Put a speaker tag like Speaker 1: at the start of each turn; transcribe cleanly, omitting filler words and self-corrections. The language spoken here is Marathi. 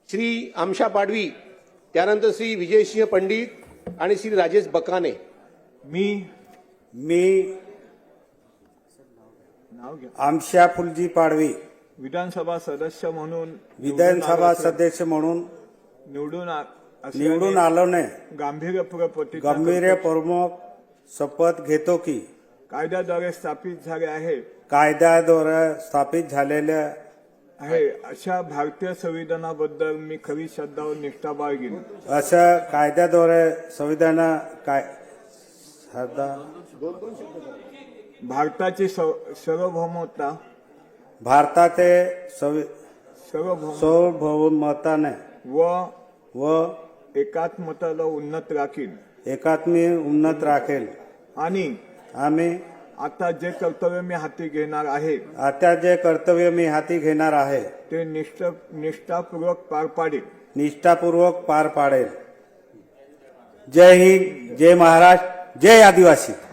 Speaker 1: श्री आमशा पाडवी, त्यानंतर श्री विजयसिंह पंडित आणि श्री राजेश बकाने।
Speaker 2: मी आमशा फुलजी पाडवी
Speaker 3: विधानसभा सदस्य म्हणून
Speaker 2: विधानसभा सदस्य म्हणून निवडून आलोने गंभीरपूर्वक शपथ घेतो की
Speaker 3: कायद्याद्वारे स्थापित झाले आहे
Speaker 2: कायद्याद्वारे स्थापित झालेल्या
Speaker 3: आहे अशा भारतीय संविधानाबद्दल मी खरी श्रद्धा व निष्ठा बाळगीन।
Speaker 2: अशा कायद्याद्वारे संविधान
Speaker 3: भारताची सार्वभौमता
Speaker 2: भारताचे सार्वभौमताने व
Speaker 3: एकात्मताला उन्नत राखीन
Speaker 2: उन्नत राखेल
Speaker 3: आणि
Speaker 2: आम्ही
Speaker 3: आता जे कर्तव्य मी हाती घेणार आहे ते निष्ठापूर्वक पार पाडेल।
Speaker 2: जय हिंद, जय महाराष्ट्र, जय आदिवासी।